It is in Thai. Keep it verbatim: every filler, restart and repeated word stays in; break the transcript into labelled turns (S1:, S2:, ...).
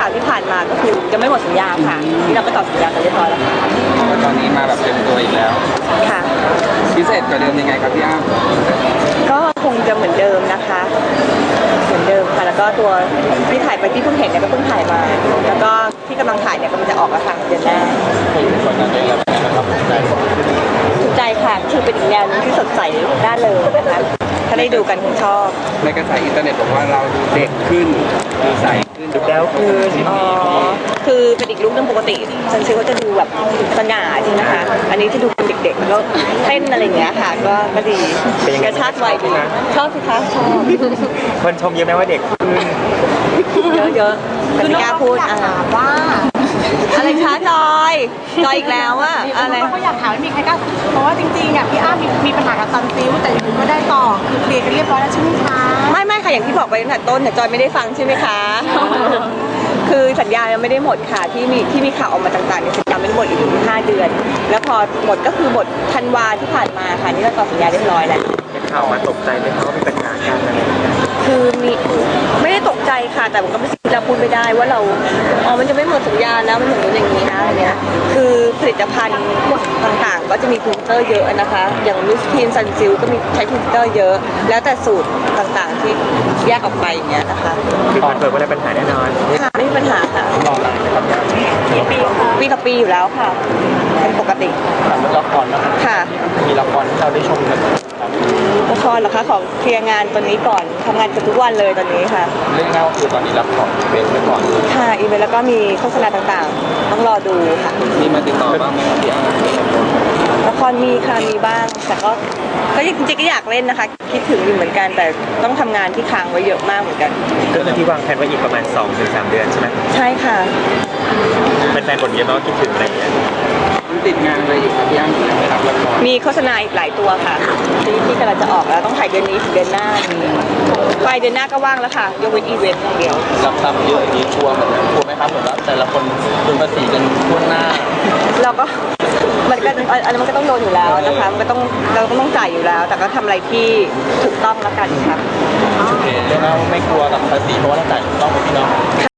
S1: าวที่ผ่านมาก็คือจะไม่หมดสัญญาค่ะที่เราก็ต่อสัญญากันเรียบร้อยแล้วค่ะ
S2: ตอนนี้มาแบบเต็มตัวอีกแล้ว
S1: ค่ะ
S2: พิเศษกว่าเดิมยังไงครับพี่อ้ำ
S1: ก็คงจะเหมือนเดิมนะคะเหมือนเดิมค่ะแล้วก็ตัวที่ถ่ายไปที่เพิ่งเห็นเนี่ยก็เพิ่งถ่ายมาแล้วก็ที่กำลังถ่ายเนี่ยกำลังจะออกแล้วค่ะเดือนหน้า
S2: ผลงานได้แล้วนะครับใจ
S1: ถูกใจค่ะคือเป็นอีกแนวนึงที่สดใสด้านเลยนะคะถ้าได้ดูกันคงชอบ
S2: ในกระแสอินเทอร์เน็ตบอกว่าเราดูเด็กขึ้นดูใสขึ้นดูแล้วขึ้น
S1: อ๋อคือเป็นอีกลุคนึงปกติฉันเชื่อว่าจะดูแบบสง่าจริงนะคะอันนี้จะดูเป็นเด็กๆแล้วเต้นอะไรอย่างเงี้ยค่ะก็ก็ดีกระชากวัยดีชอบสิคะชอบ
S3: คนชมเยอะไหมว่าเด็ก
S1: ขึ้นเยอะๆแต่ไม่กล้าพูดอ่ะว่าอะไรคะจอยจอยอีกแล้วอะอะไร
S4: เขาอยากถามไม่มีใครกล้าเพราะว่าจริงๆอ่ะพี่อ้ำมีมีปัญหากับซันซิลแต่ยังไม่ได้ต่อคือเคลียร์กันเรียบร้อยแล้วใช่ไหมคะ
S1: ไม่ไม่ค่ะอย่างที่บอกไปตั้งแต่ต้นแต่จอยไม่ได้ฟังใช่ไหมคะคือสัญญายังไม่ได้หมดค่ะที่มีที่มีข่าวออกมาต่างๆเนี่ยสัญญาไม่ได้หมดอีกห้าเดือนแล้วพอหมดก็คือหมดธันวาที่ผ่านมาค่ะนี่เราต่อสัญญาเรียบร้อยแล้ว
S3: ข่าวมาตกใจไหมคะว่ามีปัญหาการอะไรอย่างเงี้ย
S1: คือมีไม่ได้ตกใจค่ะแต่มันก็ไม่เราพูดไม่ได้ว่าเราอ๋อมันจะไม่หมดสัญญาแล้วมันอย่างนี้อย่างนี้นะอะไรเนี้ยคือผลิตภัณฑ์ต่างๆก็จะมีพรีเซนเตอร์เยอะนะคะอย่างมิสทีนซันซิลก็มีใช้พรีเซนเตอร์เยอะแล้วแต่สูตรต่างๆที่แยกออกไปอย่างเงี้ยนะคะ
S3: คือคอนเฟิร์มว่าได้ปัญหาแน่นอน
S1: ค่ะไม่มีปัญหาค่ะ
S2: รอหลังนะครับ
S1: ปีกับปีอยู่แล้วค่ะเป็นปกติ
S2: ละครนะครับ
S1: ค่ะ
S2: มีละครที่เราได้ชมกัน
S1: ละครเหรอคะของเคลียร์งานตอนนี้ก่อนทำงานกันทุกวันเลยตอนนี้ค่ะ
S2: เรื่องเล่าคือตอนนี้รับของอีเวนต์ไปก่อน
S1: ค่ะอีเวนต์แล้วก็มีโฆษณาต่างๆต้องรอดูค่ะ
S2: มีมาติดต่อบ้างไหมครับพี่อ้ำ
S1: ละครมีค่ะมีบ้างแต่ก็ก็จริงๆก็อยากเล่นนะคะคิดถึงอยู่เหมือนกันแต่ต้องทำงานที่ค้างไว้เยอะมากเหมือนกัน
S3: ก็คือที่วางแผนไว้อีกประมาณ สองถึงสาม เดือนใช่ไหม
S1: ใช่ค่ะ
S3: เป็นแฟนบทเยอะมากคิดถึงอะไรอย่างเงี้ย
S2: ติดงานอะไรอยู่ครับพี่อ้ำไม่รับละคร
S1: มีโฆษณาอีกหลายตัวค่ะที่ที่กำลังจะออกแล้วต้องถ่ายเดือนนี้ถึงเดือนหน้าปลายเดือนหน้าก็ว่างแล้วค่ะยกเว้นอีเวนต์อย่างเดียว
S2: รับทำเยอะอย่างนี้ชัวร์เหมือนกันชัวร์ไหมครับเหมือนว่าแต่ละคนโดนภาษีกันทั่วหน้า
S1: เราก็มันก็อันนั้นมันก็ต้องโดนอยู่แล้วนะคะมันก็ต้องเราก็ต้องจ่ายอยู่แล้วแต่ก็ทำอะไรที่ถูกต้องแล้วกันค่ะ
S2: โอเคแล้วไม่กลัวกับภาษีเพราะว่าเราจ่ายถูกต้องไหมพี่น้อง